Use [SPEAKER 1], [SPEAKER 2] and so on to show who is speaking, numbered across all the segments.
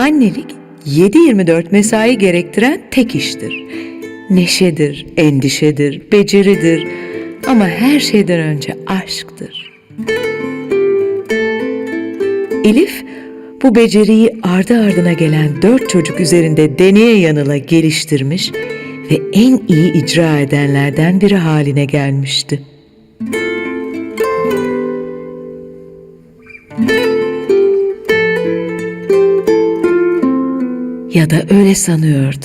[SPEAKER 1] Annelik 7/24 mesai gerektiren tek iştir. Neşedir, endişedir, beceridir ama her şeyden önce aşktır. Elif bu beceriyi ardı ardına gelen 4 çocuk üzerinde deneye yanıla geliştirmiş ve en iyi icra edenlerden biri haline gelmişti. Ya da öyle sanıyordu.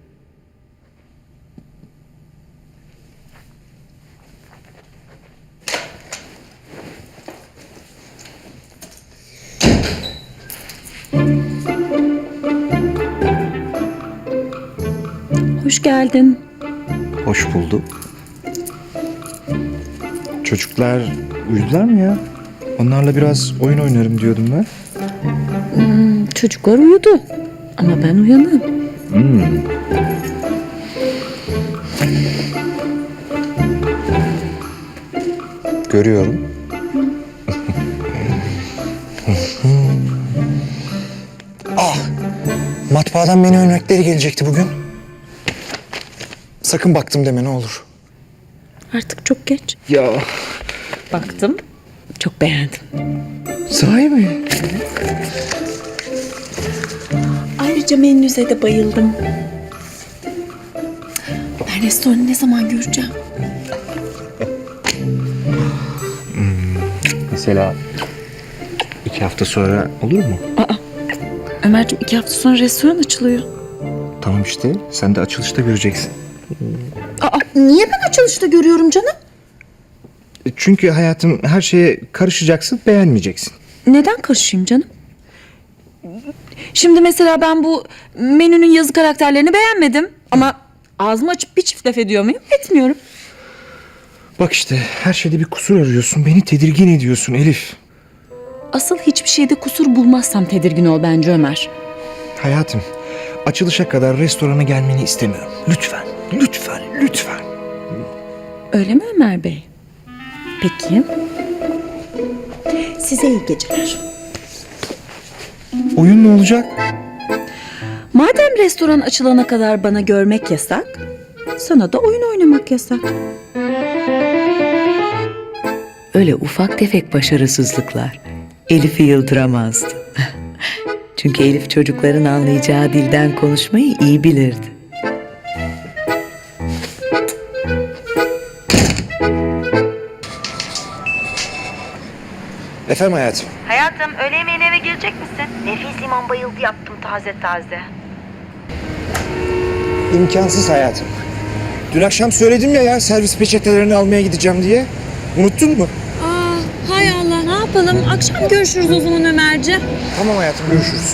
[SPEAKER 2] Hoş geldin.
[SPEAKER 3] Hoş bulduk. Çocuklar uyudular mı ya? Onlarla biraz oyun oynarım diyordum ben.
[SPEAKER 2] Çocuklar uyudu. Ama ben uyanığım.
[SPEAKER 3] Görüyorum. Matbaadan menü örnekleri gelecekti bugün. Sakın baktım deme ne olur.
[SPEAKER 2] Artık çok geç.
[SPEAKER 3] Ya
[SPEAKER 2] Baktım. Çok beğendim.
[SPEAKER 3] sahi mi?
[SPEAKER 2] Ayrıca menünüze de bayıldım. Ben restoranı ne zaman göreceğim?
[SPEAKER 3] Mesela 2 hafta sonra olur mu?
[SPEAKER 2] Ömerciğim 2 hafta sonra restoran açılıyor.
[SPEAKER 3] Tamam işte sen de açılışta göreceksin.
[SPEAKER 2] Niye ben açılışta görüyorum canım?
[SPEAKER 3] Çünkü hayatım her şeye karışacaksın, beğenmeyeceksin.
[SPEAKER 2] Neden karışayım canım? Şimdi mesela ben bu menünün yazı karakterlerini beğenmedim. Ama ağzımı açıp bir çift laf ediyor muyum? Etmiyorum.
[SPEAKER 3] Bak işte her şeyde bir kusur arıyorsun, beni tedirgin ediyorsun Elif.
[SPEAKER 2] Asıl hiçbir şeyde kusur bulmazsam tedirgin ol bence Ömer.
[SPEAKER 3] Hayatım, açılışa kadar restorana gelmeni istemiyorum. Lütfen, lütfen, lütfen.
[SPEAKER 2] Öyle mi Ömer Bey? Peki. Size iyi geceler.
[SPEAKER 3] Oyun ne olacak?
[SPEAKER 2] Madem restoran açılana kadar bana görmek yasak, sana da oyun oynamak yasak.
[SPEAKER 1] Öyle ufak tefek başarısızlıklar Elif'i yıldıramazdı. Çünkü Elif çocukların anlayacağı dilden konuşmayı iyi bilirdi.
[SPEAKER 3] Efendim hayatım.
[SPEAKER 4] Hayatım, öğle yemeğine eve gelecek misin? Nefis limon bayıldı yaptım taze taze.
[SPEAKER 3] İmkansız hayatım. Dün akşam söyledim ya servis peçetelerini almaya gideceğim diye. Unuttun mu?
[SPEAKER 2] Hay Allah, ne yapalım? Akşam görüşürüz o zaman Ömerci.
[SPEAKER 3] Tamam hayatım, görüşürüz.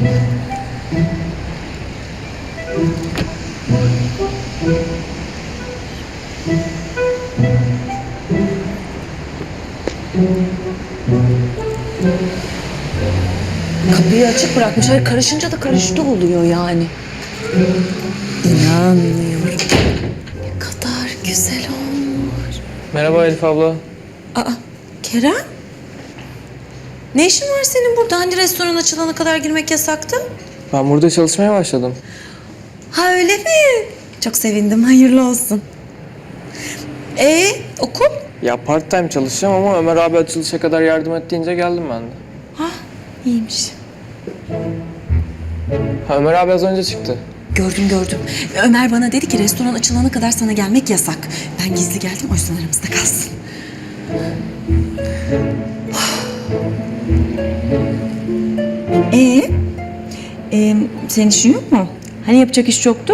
[SPEAKER 2] Kapıyı açık bırakmış. Hayır, karışınca da karıştı oluyor yani. İnanmıyorum. Ne kadar güzel olmuş.
[SPEAKER 5] Merhaba Elif abla.
[SPEAKER 2] Kerem? Ne işin var senin burada? Hani restoran açılana kadar girmek yasaktı?
[SPEAKER 5] Ben burada çalışmaya başladım.
[SPEAKER 2] Ha öyle mi? Çok sevindim. Hayırlı olsun. Okul?
[SPEAKER 5] Ya part time çalışacağım ama Ömer abi açılışa kadar yardım et deyince geldim ben de.
[SPEAKER 2] İyiymiş.
[SPEAKER 5] Ha, Ömer abi az önce çıktı.
[SPEAKER 2] Gördüm. Ömer bana dedi ki restoran açılana kadar sana gelmek yasak. Ben gizli geldim, o yüzden aramızda kalsın. Senin işin yok mu? Hani yapacak iş yoktu?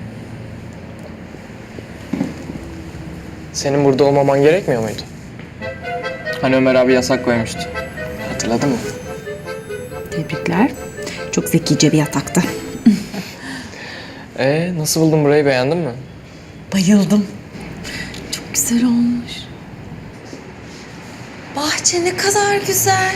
[SPEAKER 5] Senin burada olmaman gerekmiyor muydu? Hani Ömer abi yasak koymuştu. Hatırladın mı?
[SPEAKER 2] Tebrikler. Çok zekice bir yataktı.
[SPEAKER 5] Nasıl buldun burayı, beğendin mi?
[SPEAKER 2] Bayıldım. Çok güzel olmuş. Bahçe ne kadar güzel.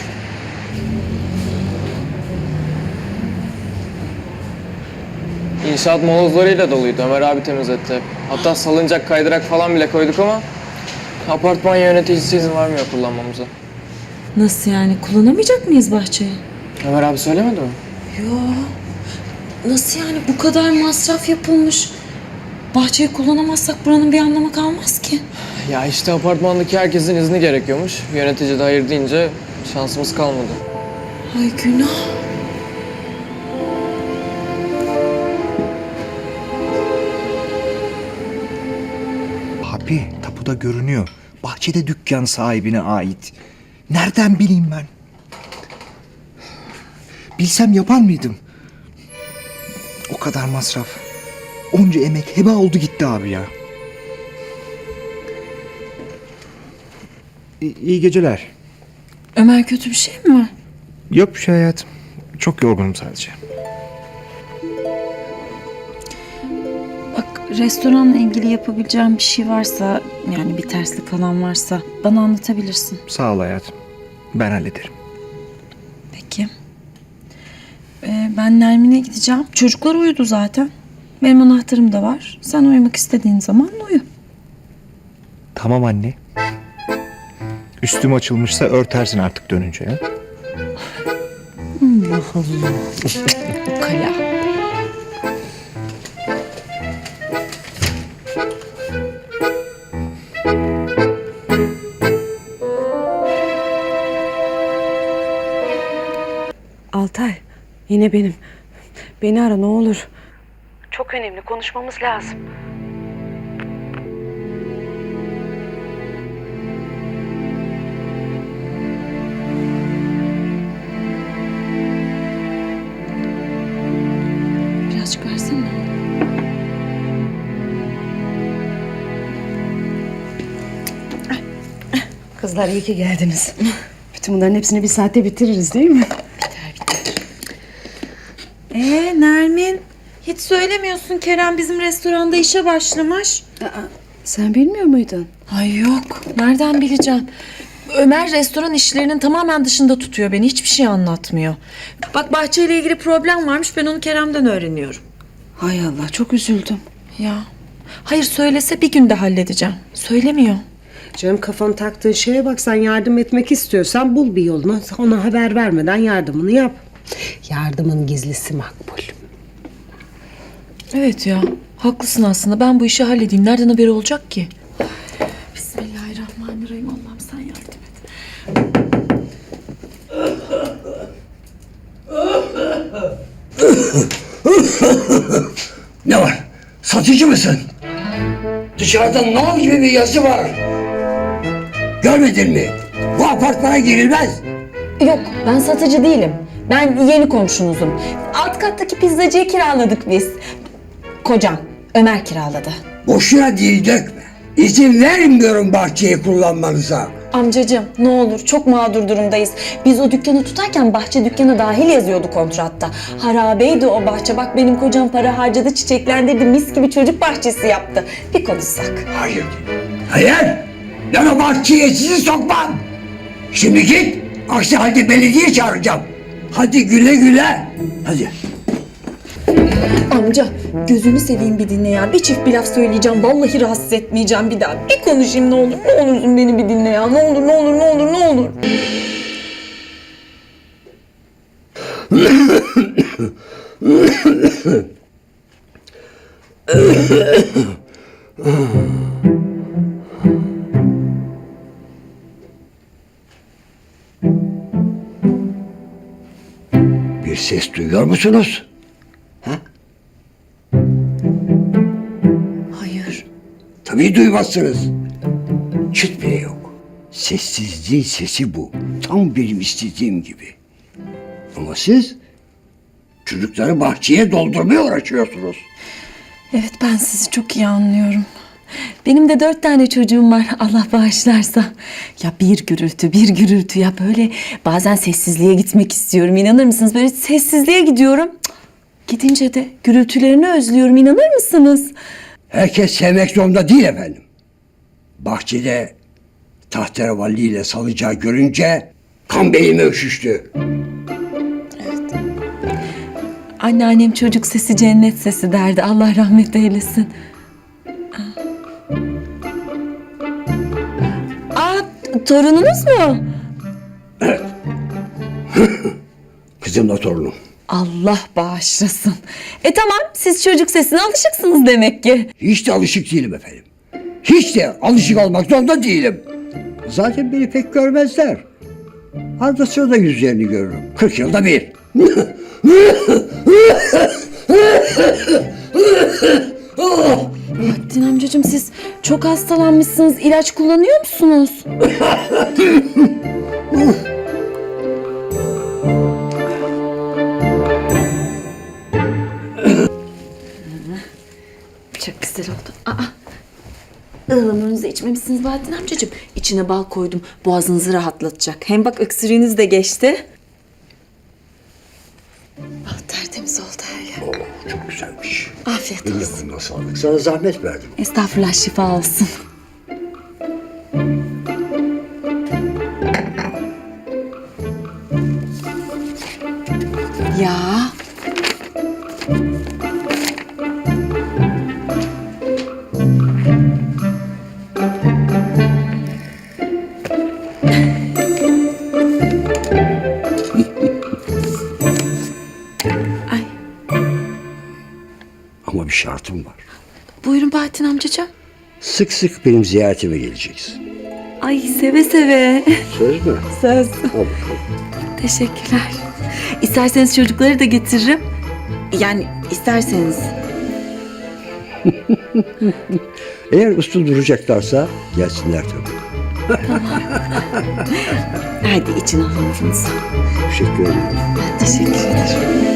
[SPEAKER 5] İnşaat molozlarıyla doluydu. Ömer abi temizletti hep. Hatta salıncak, kaydırak falan bile koyduk ama apartman yöneticisi izin vermiyor kullanmamıza.
[SPEAKER 2] Nasıl yani? Kullanamayacak mıyız bahçeyi?
[SPEAKER 5] Ömer abi söylemedi mi?
[SPEAKER 2] Yo. Nasıl yani, bu kadar masraf yapılmış? Bahçeyi kullanamazsak buranın bir anlamı kalmaz ki.
[SPEAKER 5] Ya işte apartmandaki herkesin izni gerekiyormuş. Yönetici de hayır deyince şansımız kalmadı.
[SPEAKER 2] Ay günah.
[SPEAKER 3] Abi tapuda görünüyor. Bahçede dükkan sahibine ait. Nereden bileyim ben? Bilsem yapar mıydım? O kadar masraf. Onca emek heba oldu gitti abi ya. İyi geceler.
[SPEAKER 2] Ömer, kötü bir şey mi var?
[SPEAKER 3] Yok bir şey hayatım. Çok yorgunum sadece.
[SPEAKER 2] Bak, restoranla ilgili yapabileceğim bir şey varsa, yani bir terslik falan varsa bana anlatabilirsin.
[SPEAKER 3] Sağ ol hayatım. Ben hallederim.
[SPEAKER 2] Peki. Ben Nermin'e gideceğim. Çocuklar uyudu zaten. Benim anahtarım da var. Sen uyumak istediğin zaman uyu.
[SPEAKER 3] Tamam anne. Üstüm açılmışsa örtersin artık dönünce ya.
[SPEAKER 2] Kala.
[SPEAKER 6] Altay, yine benim. Beni ara ne olur. Çok önemli, konuşmamız lazım.
[SPEAKER 2] Birazcık versene.
[SPEAKER 6] Kızlar iyi ki geldiniz. Bütün bunların hepsini bir saatte bitiririz değil mi?
[SPEAKER 2] Nermin, hiç söylemiyorsun, Kerem bizim restoranda işe başlamış.
[SPEAKER 6] Sen bilmiyor muydun?
[SPEAKER 2] Ay yok, nereden bileceğim? Ömer restoran işlerinin tamamen dışında tutuyor beni, hiçbir şey anlatmıyor. Bak, bahçeyle ilgili problem varmış, ben onu Kerem'den öğreniyorum.
[SPEAKER 6] Hay Allah, çok üzüldüm.
[SPEAKER 2] Ya, hayır söylese bir günde halledeceğim. Söylemiyor.
[SPEAKER 7] Canım, kafanı taktığın şeye bak, sen yardım etmek istiyorsan bul bir yolunu. Ona haber vermeden yardımını yap. Yardımın gizlisi makbul.
[SPEAKER 2] Evet ya, haklısın aslında. Ben bu işi halledeyim. Nereden haberi olacak ki? Bismillahirrahmanirrahim. Allah'ım sen yardım et.
[SPEAKER 8] Ne var? Satıcı mısın? Dışarıda nal gibi bir yazı var. Görmedin mi? Bu apartmana girilmez.
[SPEAKER 9] Yok, ben satıcı değilim. Ben yeni komşunuzum. Alt kattaki pizzacıyı kiraladık biz. Kocam, Ömer kiraladı.
[SPEAKER 8] Boşuna dil dökme. İzin vermiyorum bahçeyi kullanmanıza.
[SPEAKER 9] Amcacığım, ne olur, çok mağdur durumdayız. Biz o dükkanı tutarken bahçe dükkanı dahil yazıyordu kontratta. Harabeydi o bahçe. Bak, benim kocam para harcadı, çiçeklendirdi, mis gibi çocuk bahçesi yaptı. Bir konuşsak.
[SPEAKER 8] Hayır. Hayır. Ben o bahçeye sizi sokmam. Şimdi git. Aksi halde belediye çağıracağım. Hadi güle güle. Hadi.
[SPEAKER 9] Amca, gözünü seveyim bir dinle ya. Bir çift bir laf söyleyeceğim. Vallahi rahatsız etmeyeceğim bir daha. Bir konuşayım ne olur. Ne olursun beni bir dinle ya. Ne olur, ne olur, ne olur, ne olur.
[SPEAKER 8] Bir ses duyuyor musunuz?
[SPEAKER 9] Hayır.
[SPEAKER 8] Tabii duymazsınız. Çıt bile yok. Sessizliğin sesi bu. Tam benim istediğim gibi. Ama siz çocukları bahçeye doldurmaya uğraşıyorsunuz.
[SPEAKER 2] Evet, ben sizi çok iyi anlıyorum. Benim de 4 tane çocuğum var, Allah bağışlarsa. Ya bir gürültü ya, böyle bazen sessizliğe gitmek istiyorum, inanır mısınız? Böyle sessizliğe gidiyorum. Cık, gidince de gürültülerini özlüyorum, inanır mısınız?
[SPEAKER 8] Herkes sevmek zorunda değil efendim. Bahçede tahterevalli ile salıcağı görünce kan beynime üşüştü.
[SPEAKER 2] Anneannem çocuk sesi cennet sesi derdi, Allah rahmet eylesin. Aa, torununuz mu?
[SPEAKER 8] Kızımla torunum.
[SPEAKER 2] Allah bağışlasın. Tamam, siz çocuk sesine alışıksınız demek ki.
[SPEAKER 8] Hiç de alışık değilim efendim. Hiç de alışık olmak zorunda değilim. Zaten beni pek görmezler. Arada sırada yüzlerini görürüm. 40 yılda bir.
[SPEAKER 2] Bahattin amcacığım, siz çok hastalanmışsınız. İlaç kullanıyor musunuz? Çok güzel oldu. Ihlamurunu içmemişsiniz Bahattin amcacığım. İçine bal koydum. Boğazınızı rahatlatacak. Hem bak öksürüğünüz de geçti. Tertemiz oldu her yer.
[SPEAKER 8] Çok güzelmiş.
[SPEAKER 2] Afiyet
[SPEAKER 8] Eline
[SPEAKER 2] olsun.
[SPEAKER 8] koluna sağlık. Sana zahmet verdim.
[SPEAKER 2] Estağfurullah, şifa olsun. Ya. Ay,
[SPEAKER 8] Ama bir şartım var.
[SPEAKER 2] buyurun Bahattin amcacığım.
[SPEAKER 8] Sık sık benim ziyaretime geleceksin.
[SPEAKER 2] Ay, seve seve.
[SPEAKER 8] Söz mü?
[SPEAKER 2] Söz.
[SPEAKER 8] Al bakalım.
[SPEAKER 2] Teşekkürler. İsterseniz çocukları da getiririm. Yani isterseniz.
[SPEAKER 8] Eğer uslu duracaklarsa gelsinler tabii.
[SPEAKER 2] Hadi için alınurunuzu.
[SPEAKER 8] Teşekkür ederim.
[SPEAKER 2] Teşekkür ederim.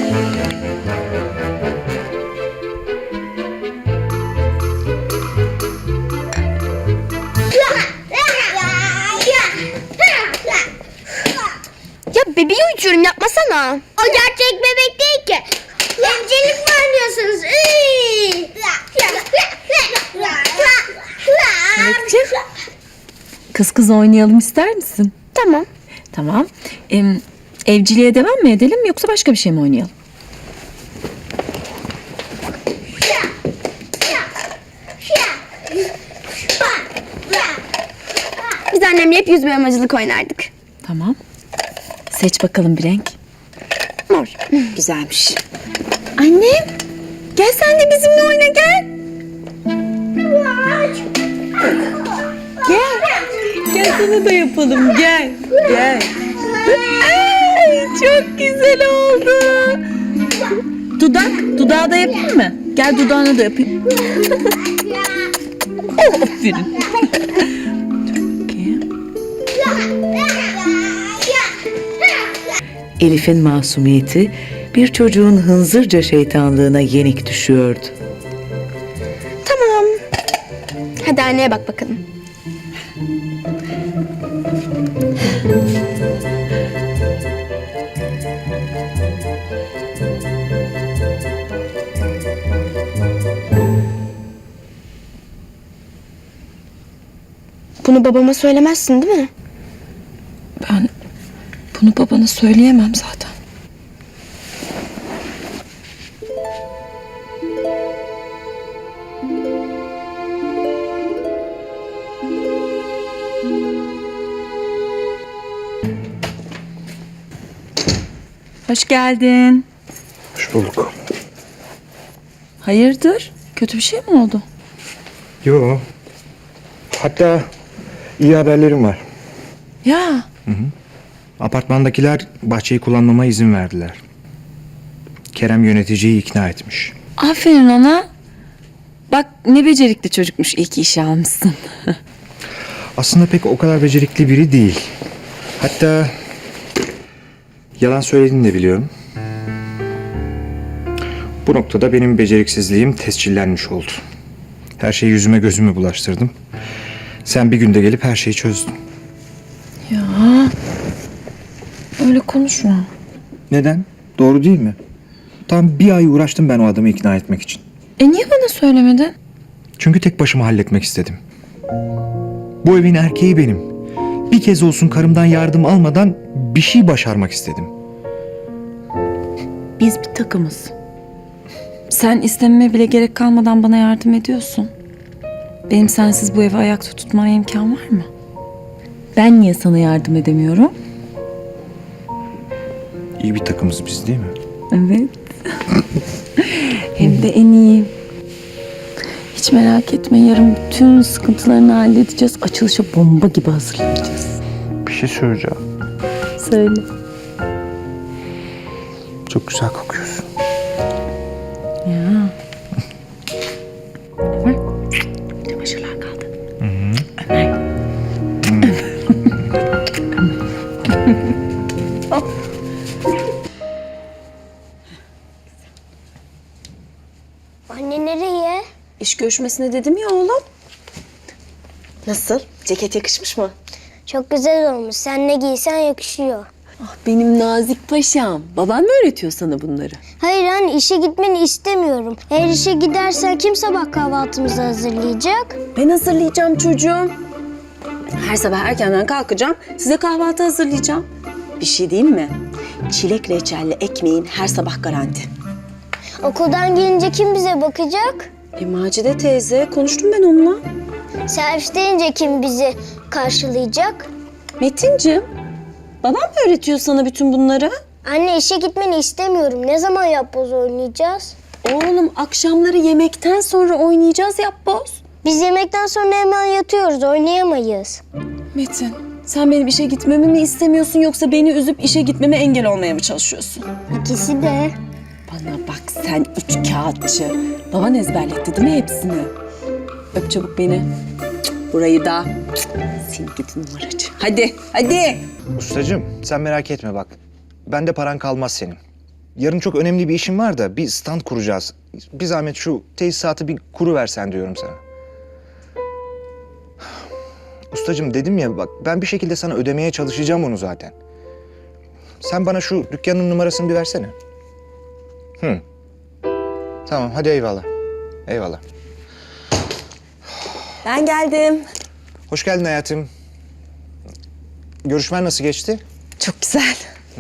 [SPEAKER 10] Ya bebeği uyutuyorum, yapmasana. O gerçek bebek değil ki. Emcilik mi oynuyorsunuz?
[SPEAKER 2] Melekciğim, kız kız oynayalım ister misin?
[SPEAKER 10] Tamam.
[SPEAKER 2] Tamam. Evciliğe devam mı edelim yoksa başka bir şey mi oynayalım?
[SPEAKER 10] Biz annemle hep yüz boyamacılık oynardık.
[SPEAKER 2] Tamam. Seç bakalım bir renk.
[SPEAKER 10] Mor.
[SPEAKER 2] Güzelmiş. Annem, gel sen de bizimle oyna, gel. Gel. Gel sana da yapalım, gel. Gel. Ay, çok güzel oldu. Dudağı da yapayım mı? Gel dudağını da yapayım. Oh, aferin.
[SPEAKER 1] Elif'in masumiyeti bir çocuğun hınzırca şeytanlığına yenik düşüyordu.
[SPEAKER 10] Tamam. Hadi anneye bak bakalım. Bunu babama söylemezsin değil mi?
[SPEAKER 2] Ben bunu babana söyleyemem zaten. Hoş geldin.
[SPEAKER 3] Hoş bulduk.
[SPEAKER 2] Hayırdır? Kötü bir şey mi oldu?
[SPEAKER 3] Yo. Hatta iyi haberlerim var.
[SPEAKER 2] Ya.
[SPEAKER 3] Apartmandakiler bahçeyi kullanmama izin verdiler. Kerem yöneticiyi ikna etmiş.
[SPEAKER 2] Aferin ona. Bak ne becerikli çocukmuş, iyi ki işe almışsın.
[SPEAKER 3] Aslında pek o kadar becerikli biri değil. Hatta yalan söylediğini de biliyorum. Bu noktada benim beceriksizliğim tescillenmiş oldu. Her şeyi yüzüme gözüme bulaştırdım. Sen bir günde gelip her şeyi çözdün.
[SPEAKER 2] Ya. Öyle konuşma.
[SPEAKER 3] Neden? Doğru değil mi? Tam bir ay uğraştım ben o adamı ikna etmek için.
[SPEAKER 2] Niye bana söylemedin?
[SPEAKER 3] Çünkü tek başıma halletmek istedim. Bu evin erkeği benim. Bir kez olsun karımdan yardım almadan bir şey başarmak istedim.
[SPEAKER 2] Biz bir takımız. Sen istememe bile gerek kalmadan bana yardım ediyorsun. Benim sensiz bu evi ayakta tutmaya imkan var mı? Ben niye sana yardım edemiyorum?
[SPEAKER 3] İyi bir takımız biz değil mi?
[SPEAKER 2] Evet. Hem de en iyi. Hiç merak etme, yarın bütün sıkıntılarını halledeceğiz. Açılışa bomba gibi hazırlanacağız.
[SPEAKER 3] Bir şey söyleyeceğim.
[SPEAKER 2] Söyle.
[SPEAKER 3] Çok güzel kokuyorsun.
[SPEAKER 2] Ya. Ömer. Çamaşırlar kaldı. Ömer.
[SPEAKER 10] Anne nereye?
[SPEAKER 9] İş görüşmesine dedim ya oğlum. Nasıl? Ceket yakışmış mı?
[SPEAKER 10] Çok güzel olmuş. Sen ne giysen yakışıyor.
[SPEAKER 2] Ah, benim nazik paşam. Baban mı öğretiyor sana bunları?
[SPEAKER 10] Hayır anne, işe gitmeni istemiyorum. Eğer işe gidersen kim sabah kahvaltımızı hazırlayacak?
[SPEAKER 9] Ben hazırlayacağım çocuğum. Her sabah erkenden kalkacağım, size kahvaltı hazırlayacağım. Bir şey diyeyim mi? Çilek reçelli ekmeğin her sabah garanti.
[SPEAKER 10] Okuldan gelince kim bize bakacak?
[SPEAKER 9] Macide teyze, konuştum ben onunla.
[SPEAKER 10] Servis deyince kim bizi karşılayacak?
[SPEAKER 9] Metinciğim, babam mı öğretiyor sana bütün bunları?
[SPEAKER 10] Anne işe gitmeni istemiyorum. Ne zaman yapboz oynayacağız?
[SPEAKER 9] Oğlum akşamları yemekten sonra oynayacağız yapboz.
[SPEAKER 10] Biz yemekten sonra hemen yatıyoruz. Oynayamayız.
[SPEAKER 9] Metin, sen benim işe gitmemi mi istemiyorsun yoksa beni üzüp işe gitmeme engel olmaya mı çalışıyorsun?
[SPEAKER 10] İkisi de.
[SPEAKER 9] Bana bak sen üç kağıtçı. Baban ezberletti değil mi hepsini? Öp çabuk beni. Burayı da. Seni gidi numaracı. Hadi, hadi.
[SPEAKER 3] Ustacığım sen merak etme bak. Bende paran kalmaz senin. Yarın çok önemli bir işim var da bir stand kuracağız. Bir zahmet şu tesisatı bir kuru versen diyorum sana. Ustacığım dedim ya bak ben bir şekilde sana ödemeye çalışacağım onu zaten. Sen bana şu dükkanın numarasını bir versene. Tamam hadi eyvallah. Eyvallah.
[SPEAKER 9] Ben geldim.
[SPEAKER 3] Hoş geldin hayatım. Görüşmen nasıl geçti?
[SPEAKER 9] Çok güzel.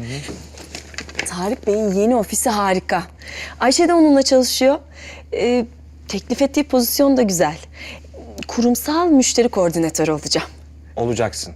[SPEAKER 9] Tarık Bey'in yeni ofisi harika. Ayşe de onunla çalışıyor. Teklif ettiği pozisyon da güzel. Kurumsal müşteri koordinatörü olacağım.
[SPEAKER 3] Olacaksın.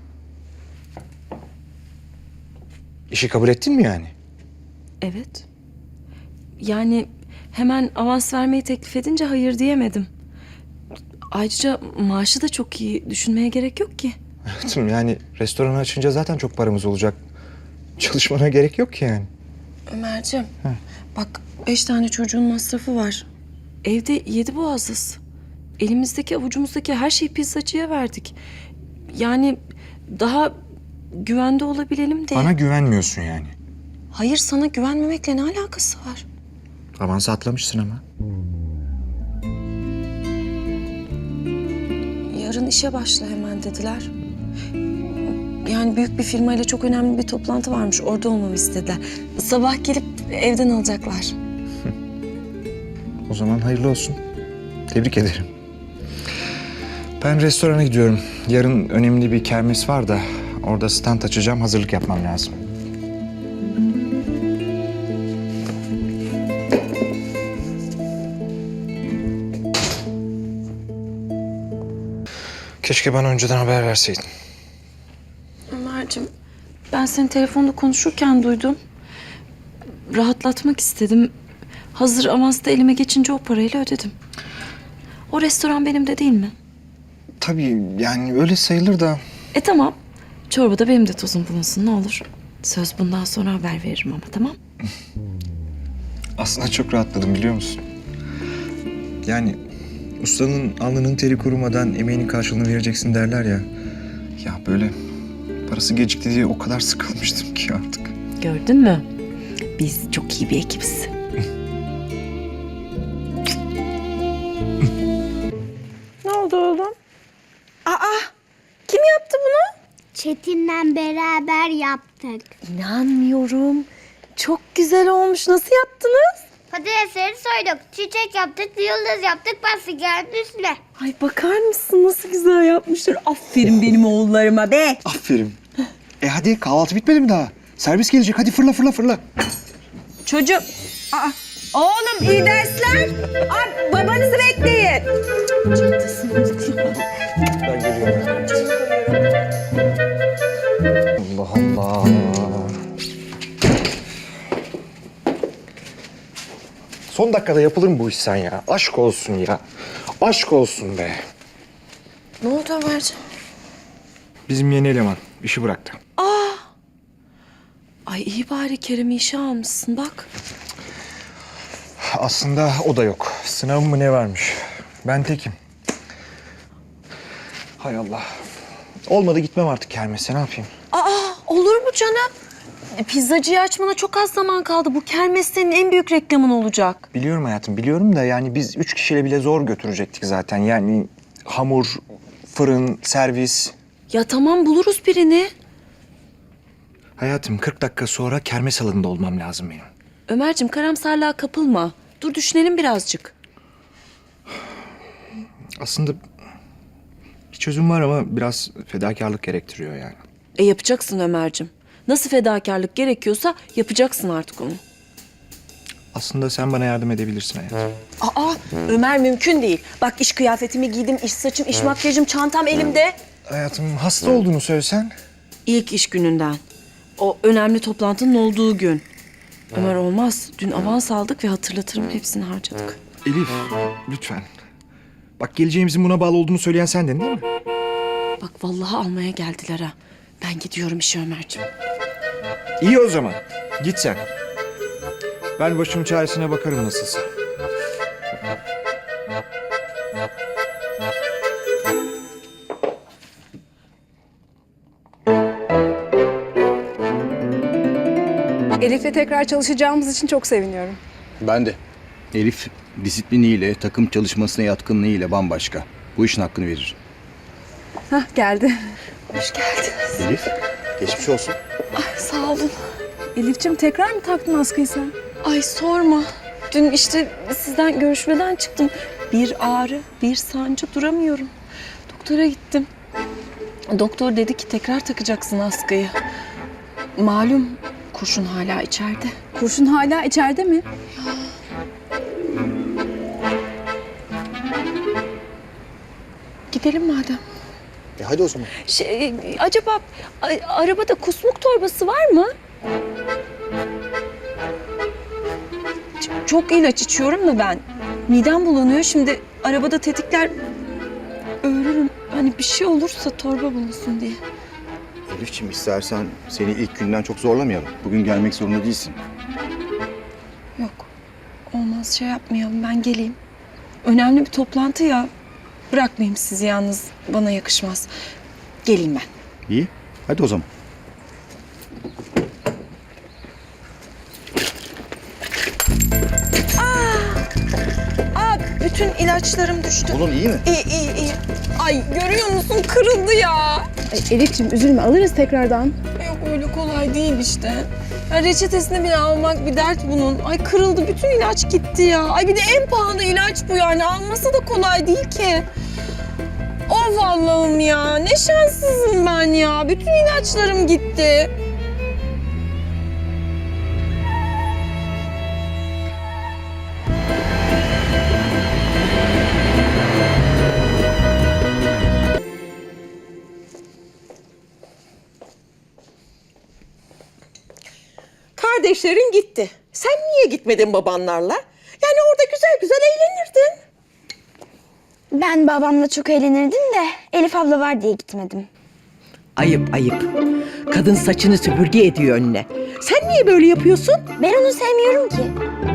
[SPEAKER 3] İşi kabul ettin mi yani?
[SPEAKER 2] Evet. Yani hemen avans vermeyi teklif edince hayır diyemedim. Ayrıca maaşı da çok iyi. Düşünmeye gerek yok ki.
[SPEAKER 3] Hayatım yani restoranı açınca zaten çok paramız olacak. Çalışmana gerek yok ki yani.
[SPEAKER 2] Ömerciğim, bak 5 tane çocuğun masrafı var. Evde 7 boğazız. Elimizdeki avucumuzdaki her şeyi pizzacıya verdik. Yani daha güvende olabilelim diye.
[SPEAKER 3] Bana güvenmiyorsun yani.
[SPEAKER 2] Hayır, sana güvenmemekle ne alakası var?
[SPEAKER 3] Avansı atlamışsın ama.
[SPEAKER 2] Yarın işe başla hemen dediler. Yani büyük bir firmayla çok önemli bir toplantı varmış. Orada olmamı istediler. Sabah gelip evden alacaklar.
[SPEAKER 3] O zaman hayırlı olsun. Tebrik ederim. Ben restorana gidiyorum. Yarın önemli bir kermes var da orada stand açacağım. Hazırlık yapmam lazım. Keşke bana önceden haber verseydin.
[SPEAKER 2] Ömerciğim, ben seni telefonda konuşurken duydum. Rahatlatmak istedim. Hazır avans da elime geçince o parayla ödedim. O restoran benim de değil mi?
[SPEAKER 3] Tabii yani öyle sayılır da.
[SPEAKER 2] Tamam. Çorbada benim de tozum bulunsun ne olur. Söz bundan sonra haber veririm ama tamam.
[SPEAKER 3] Aslında çok rahatladım biliyor musun? Yani ustanın alnının teri kurumadan emeğinin karşılığını vereceksin derler ya. Ya böyle parası gecikti diye o kadar sıkılmıştım ki artık.
[SPEAKER 2] Gördün mü? Biz çok iyi bir ekibiz.
[SPEAKER 9] Ne oldu oğlum? Kim yaptı bunu?
[SPEAKER 10] Çetin'le beraber yaptık.
[SPEAKER 9] İnanmıyorum. Çok güzel olmuş. Nasıl yaptınız?
[SPEAKER 10] Patatesleri soyduk, çiçek yaptık, yıldız yaptık, pasta geldi üstüne.
[SPEAKER 9] Ay bakar mısın nasıl güzel yapmışlar. Aferin benim oğullarıma be.
[SPEAKER 3] Aferin. Hadi kahvaltı bitmedi mi daha? Servis gelecek hadi fırla fırla fırla.
[SPEAKER 9] Çocuk. Oğlum iyi dersler. Babanızı bekleyin.
[SPEAKER 3] Ben geliyorum. Allah Allah. Son dakikada yapılır mı bu iş sen ya? Aşk olsun ya. Aşk olsun be.
[SPEAKER 2] Ne oldu Ömerciğim?
[SPEAKER 3] Bizim yeni eleman işi bıraktı.
[SPEAKER 2] Ay iyi bari Kerem'i işe almışsın bak.
[SPEAKER 3] Aslında o da yok. Sınavım mı ne varmış? Ben tekim. Hay Allah. Olmadı gitmem artık kermese ne yapayım?
[SPEAKER 2] Olur mu canım? Pizzacıyı açmana çok az zaman kaldı. Bu kermes senin en büyük reklamın olacak.
[SPEAKER 3] Biliyorum hayatım biliyorum da yani biz 3 kişiyle bile zor götürecektik zaten. Yani hamur, fırın, servis.
[SPEAKER 2] Ya tamam buluruz birini.
[SPEAKER 3] Hayatım 40 dakika sonra kermes alanında olmam lazım benim.
[SPEAKER 2] Ömerciğim karamsarlığa kapılma. Dur düşünelim birazcık.
[SPEAKER 3] Aslında bir çözüm var ama biraz fedakarlık gerektiriyor yani.
[SPEAKER 2] Yapacaksın Ömerciğim. Nasıl fedakarlık gerekiyorsa yapacaksın artık onu.
[SPEAKER 3] Aslında sen bana yardım edebilirsin hayatım.
[SPEAKER 2] Ömer mümkün değil. Bak iş kıyafetimi giydim, iş saçım, iş makyajım, çantam elimde.
[SPEAKER 3] Hayatım hasta olduğunu söylesen.
[SPEAKER 2] İlk iş gününden. O önemli toplantının olduğu gün. Ömer olmaz. Dün avans aldık ve hatırlatırım hepsini harcadık.
[SPEAKER 3] Elif lütfen. Bak geleceğimizin buna bağlı olduğunu söyleyen sendin değil mi?
[SPEAKER 2] Bak vallahi almaya geldiler ha. Ben gidiyorum işe Ömerciğim.
[SPEAKER 3] İyi o zaman. Git sen. Ben başımın çaresine bakarım nasılsa.
[SPEAKER 6] Elif'le tekrar çalışacağımız için çok seviniyorum.
[SPEAKER 11] Ben de. Elif disipliniyle, takım çalışmasına yatkınlığıyla bambaşka. Bu işin hakkını verir.
[SPEAKER 6] Hah geldi.
[SPEAKER 2] Hoş geldiniz.
[SPEAKER 11] Elif, geçmiş olsun.
[SPEAKER 2] Sağ olun.
[SPEAKER 6] Elif'ciğim tekrar mı taktın askıyı sen?
[SPEAKER 2] Ay sorma. Dün işte sizden görüşmeden çıktım. Bir ağrı, bir sancı duramıyorum. Doktora gittim. Doktor dedi ki tekrar takacaksın askıyı. Malum kurşun hala içeride.
[SPEAKER 6] Kurşun hala içeride mi?
[SPEAKER 2] Gidelim madem.
[SPEAKER 11] Hadi o zaman.
[SPEAKER 2] Acaba arabada kusmuk torbası var mı? Çok ilaç içiyorum da ben. Midem bulanıyor. Şimdi arabada tetikler öğrenirim. Hani bir şey olursa torba bulunsun diye.
[SPEAKER 11] Elif'ciğim istersen seni ilk günden çok zorlamayalım. Bugün gelmek zorunda değilsin.
[SPEAKER 2] Yok. Olmaz şey yapmayalım. Ben geleyim. Önemli bir toplantı ya. Bırakmayayım sizi yalnız. Bana yakışmaz. Geleyim ben.
[SPEAKER 11] İyi, hadi o zaman.
[SPEAKER 2] Bütün ilaçlarım düştü.
[SPEAKER 11] Oğlum iyi mi?
[SPEAKER 2] İyi. Ay görüyor musun? Kırıldı ya.
[SPEAKER 6] Elif'ciğim üzülme alırız tekrardan.
[SPEAKER 2] Yok öyle kolay değil işte. Ya reçetesini bile almak bir dert bunun. Ay kırıldı bütün ilaç gitti ya. Ay bir de en pahalı ilaç bu yani. Alması da kolay değil ki. Of Allah'ım ya. Ne şanssızım ben ya. Bütün ilaçlarım gitti.
[SPEAKER 12] Kardeşlerin gitti. Sen niye gitmedin babanlarla? Yani orada güzel güzel eğlenirdin.
[SPEAKER 10] Ben babamla çok eğlenirdim de Elif abla var diye gitmedim.
[SPEAKER 12] Ayıp ayıp. Kadın saçını süpürge ediyor önüne. Sen niye böyle yapıyorsun?
[SPEAKER 10] Ben onu sevmiyorum ki.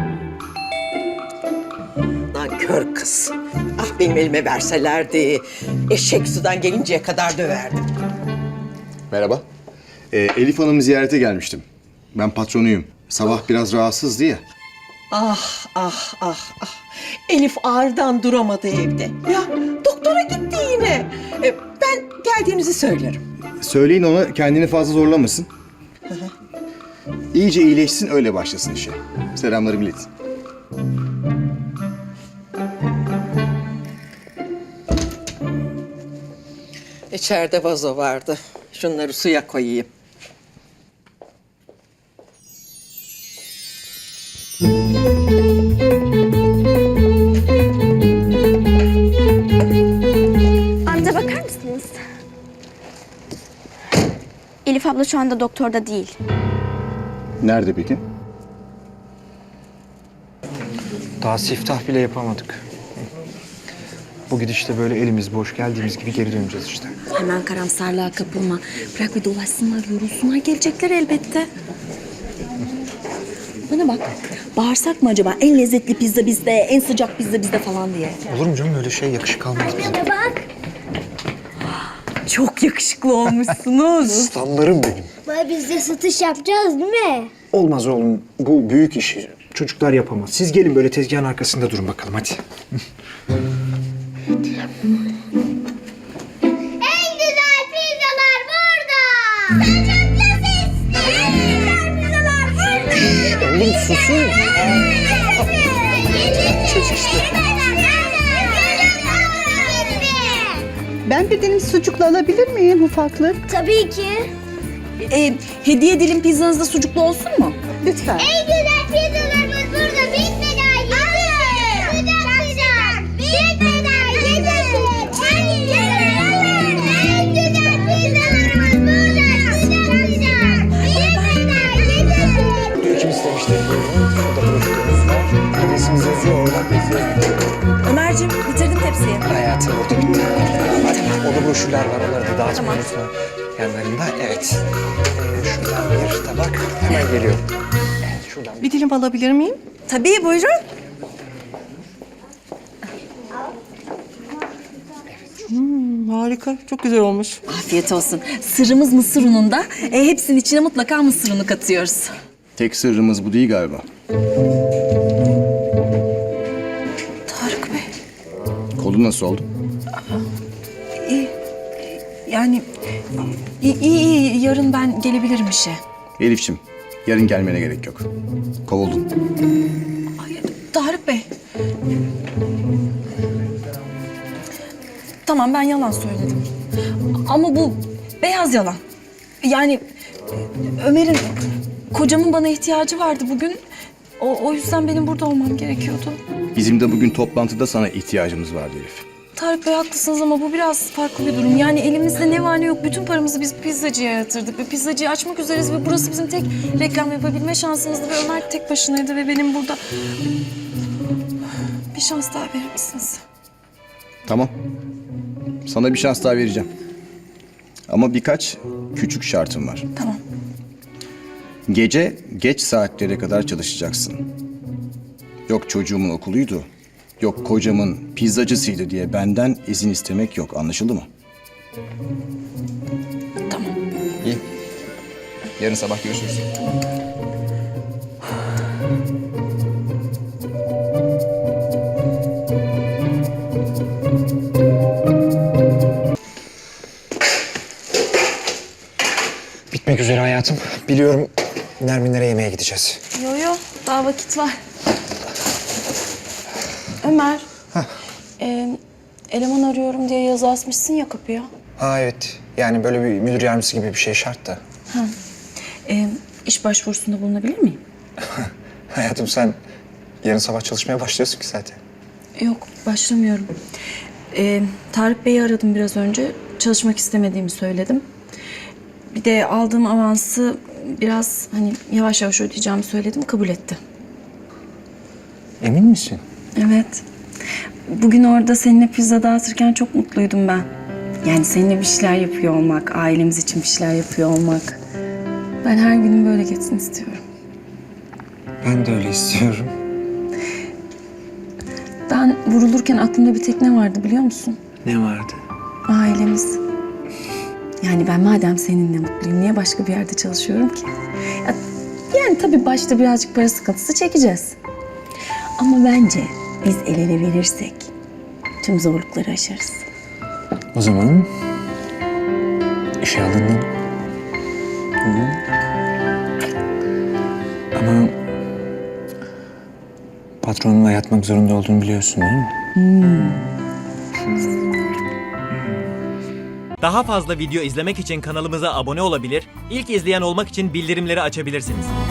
[SPEAKER 12] Lan kör kız. Ah benim elime verselerdi. Eşek sudan gelinceye kadar döverdim.
[SPEAKER 11] Merhaba. Elif Hanım'ı ziyarete gelmiştim. Ben patronuyum. Sabah biraz rahatsızdı ya.
[SPEAKER 12] Ah. Elif ağrıdan duramadı evde. Ya doktora gitti yine. Ben geldiğinizi söylerim.
[SPEAKER 11] Söyleyin ona kendini fazla zorlamasın. İyice iyileşsin öyle başlasın işe. Selamlarımı iletin.
[SPEAKER 12] İçeride vazo vardı. Şunları suya koyayım.
[SPEAKER 10] Amca bakar mısınız? Elif abla şu anda doktorda değil.
[SPEAKER 11] Nerede peki?
[SPEAKER 3] Daha siftah bile yapamadık. Bu gidişte böyle elimiz boş geldiğimiz gibi geri döneceğiz işte.
[SPEAKER 9] Hemen karamsarlığa kapılma. Bırak bir dolaşsınlar, yorulsunlar. Gelecekler elbette. Bana bak. Bağırsak mı acaba? En lezzetli pizza bizde, en sıcak pizza bizde falan diye.
[SPEAKER 3] Olur mu canım öyle şey? Yakışık almaz bize.
[SPEAKER 10] Bak.
[SPEAKER 9] Çok yakışıklı olmuşsunuz.
[SPEAKER 3] Aslanlarım benim.
[SPEAKER 10] Baba biz de satış yapacağız değil mi?
[SPEAKER 3] Olmaz oğlum. Bu büyük işi. Çocuklar yapamaz. Siz gelin böyle tezgahın arkasında durun bakalım hadi.
[SPEAKER 10] En güzel pizzalar burada. Sen çok lezzetli. En güzel pizzalar burada.
[SPEAKER 3] Oğlum susun.
[SPEAKER 12] Ben bir dilim sucuklu alabilir miyim ufaklık?
[SPEAKER 10] Tabii ki.
[SPEAKER 9] Hediye dilim pizzanızda sucuklu olsun mu?
[SPEAKER 12] Lütfen.
[SPEAKER 10] En güzel pizzalarımız burada. Bitmeden yedirsin. Sıcak sıcak. Bitmeden yedirsin. En güzel pizzalarımız burada. Sıcak sıcak. Bitmeden yedirsin.
[SPEAKER 3] Kim istemişti? Şurada broşürümüz var. Adresimiz yazıyor oradan bekliyoruz.
[SPEAKER 9] Ömerciğim bitirdim tepsiyi.
[SPEAKER 3] Hayatım burada bitti. Orada broşürler var. Onları da dağıtma unutma. Yanlarında evet. Şuradan bir tabak. Hemen geliyorum. Evet şuradan.
[SPEAKER 12] Bir dilim alabilir miyim?
[SPEAKER 9] Tabii buyurun.
[SPEAKER 12] Harika, çok güzel olmuş.
[SPEAKER 9] Afiyet olsun. Sırrımız mısır ununda. Hepsinin içine mutlaka mısır unu katıyoruz.
[SPEAKER 11] Tek sırrımız bu değil galiba.
[SPEAKER 9] Tarık Bey.
[SPEAKER 11] Kolu nasıl oldu?
[SPEAKER 9] Yani iyi. Yarın ben gelebilirim işe.
[SPEAKER 11] Elif'ciğim, yarın gelmene gerek yok. Kovuldun.
[SPEAKER 9] Tarık Bey. Tamam ben yalan söyledim. Ama bu beyaz yalan. Yani Ömer'in, kocamın bana ihtiyacı vardı bugün. O yüzden benim burada olmam gerekiyordu.
[SPEAKER 11] Bizim de bugün toplantıda sana ihtiyacımız vardı Elif.
[SPEAKER 9] Tarık Bey haklısınız ama bu biraz farklı bir durum. Yani elimizde ne var ne yok bütün paramızı biz pizzacıya yatırdık. Ve pizzacıyı açmak üzereyiz ve burası bizim tek reklam yapabilme şansımızdı. Ve Ömer tek başınaydı ve benim burada... Bir şans daha verir misiniz?
[SPEAKER 11] Tamam. Sana bir şans daha vereceğim. Ama birkaç küçük şartım var.
[SPEAKER 9] Tamam.
[SPEAKER 11] Gece geç saatlere kadar çalışacaksın. Yok çocuğumun okuluydu, yok kocamın pizzacısıydı diye benden izin istemek yok. Anlaşıldı mı?
[SPEAKER 9] Tamam.
[SPEAKER 11] İyi. Yarın sabah görüşürüz.
[SPEAKER 3] Bitmek üzere hayatım. Biliyorum Nerminlere yemeğe gideceğiz.
[SPEAKER 9] Yo daha vakit var. Ömer. Eleman arıyorum diye yazı asmışsın ya kapıya.
[SPEAKER 3] Ha evet. Yani böyle bir müdür yardımcısı gibi bir şey şart da.
[SPEAKER 9] İş başvurusunda bulunabilir miyim?
[SPEAKER 3] Hayatım sen yarın sabah çalışmaya başlıyorsun ki zaten.
[SPEAKER 9] Yok başlamıyorum. Tarık Bey'i aradım biraz önce. Çalışmak istemediğimi söyledim. Bir de aldığım avansı biraz hani yavaş yavaş ödeyeceğimi söyledim. Kabul etti.
[SPEAKER 3] Emin misin?
[SPEAKER 9] Evet. Bugün orada seninle pizza dağıtırken çok mutluydum ben. Yani seninle bir şeyler yapıyor olmak, ailemiz için bir şeyler yapıyor olmak. Ben her günüm böyle geçsin istiyorum.
[SPEAKER 3] Ben de öyle istiyorum.
[SPEAKER 9] Ben vurulurken aklımda bir tek ne vardı biliyor musun?
[SPEAKER 3] Ne vardı?
[SPEAKER 9] Ailemiz. Yani ben madem seninle mutluyum, niye başka bir yerde çalışıyorum ki? Yani tabii başta birazcık para sıkıntısı çekeceğiz. Ama bence biz el ele verirsek tüm zorlukları aşarız.
[SPEAKER 3] O zaman işe alındın. Ama patronunla yatmak zorunda olduğunu biliyorsun değil mi?
[SPEAKER 13] Daha fazla video izlemek için kanalımıza abone olabilir, ilk izleyen olmak için bildirimleri açabilirsiniz.